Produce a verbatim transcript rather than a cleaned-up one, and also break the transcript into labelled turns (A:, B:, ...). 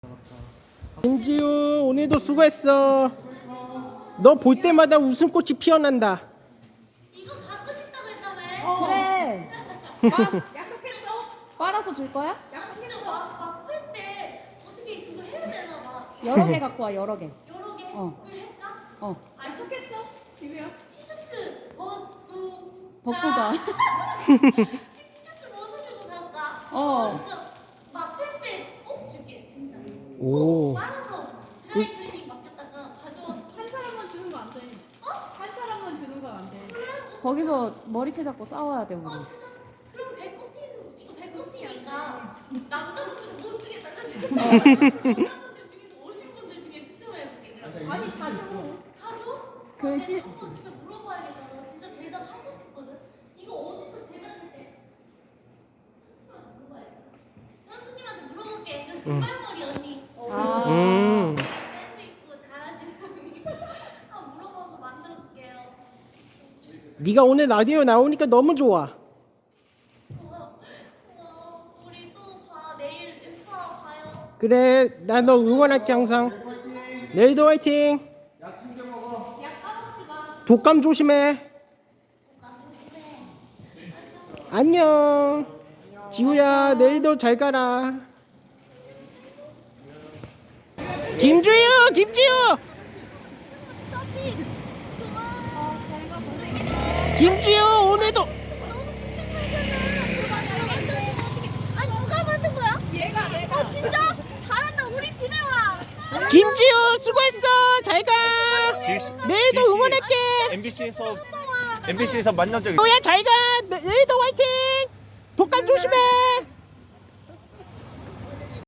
A: 김지우 오늘도 수고했어. 너 볼 때마다 웃음꽃이 피어난다.
B: 이거 갖고 싶다고 했다며.
C: 그래.
B: 약속했어?
C: 빨아서 줄 거야?
B: 약속했어. 막막할때 어떻게 그거 해야 되나 봐.
C: 여러 개 갖고 와, 여러 개.
B: 여러 개.
C: 어.
B: 그걸 할까?
C: 어.
B: 약속했어? 지우야. 티셔츠 벗고.
C: 벗고 가.
B: 티셔츠 벗어주고 갈까?
C: 어.
B: 진짜 막할 때 꼭 줄게 진짜.
A: 오.
B: 빨아서 드라이클리닝 맡겼다가 가져와서
D: 한 사람만 주는 거 안 돼.
B: 어?
D: 한 사람만 주는 건 안 돼.
C: 거기서 머리채 잡고 싸워야 돼, 우리.
B: 어 진짜? 그럼 배꼽티는 이거 배꼽티니까 남자분들은 못 주겠다 그치? 여자분들 중에서 오신 분들 중에 추첨해볼게 그럼.
D: 아니 다 줘.
B: 다 줘?
C: 그 시,
B: 한번 진짜 물어봐야겠다. 나 진짜 제작 하고 싶거든. 이거 어디서 제작했대? 현수님한테 물어봐야겠다. 현수님한테 물어볼게. 그 금발머리 언니.
C: 아.
A: 음.
B: 센스 있고 잘하시는 언니. 한번 물어봐서 만들어줄게요.
A: 네가 오늘 라디오 나오니까 너무 좋아.
B: 고마워. 고마워. 우리 또 봐. 내일 인파 봐요.
A: 그래, 나 너 응원할게 항상. 내일도 화이팅.
D: 약 까먹지 마.
A: 독감 조심해. 안녕. 지우야, 내일도 잘 가라. 김주유, 김지우. 김지우 오늘도.
B: 아니 누가 만든 거야? 얘가 얘가. 아 진짜 잘한다. 우리 집에 와.
A: 김지우 수고했어. 잘 가. 내일도 응원할게.
E: 엠비씨에서 엠비씨에서 만난 적이
A: 지우야 잘 가. 내일도 화이팅. 독감 조심해.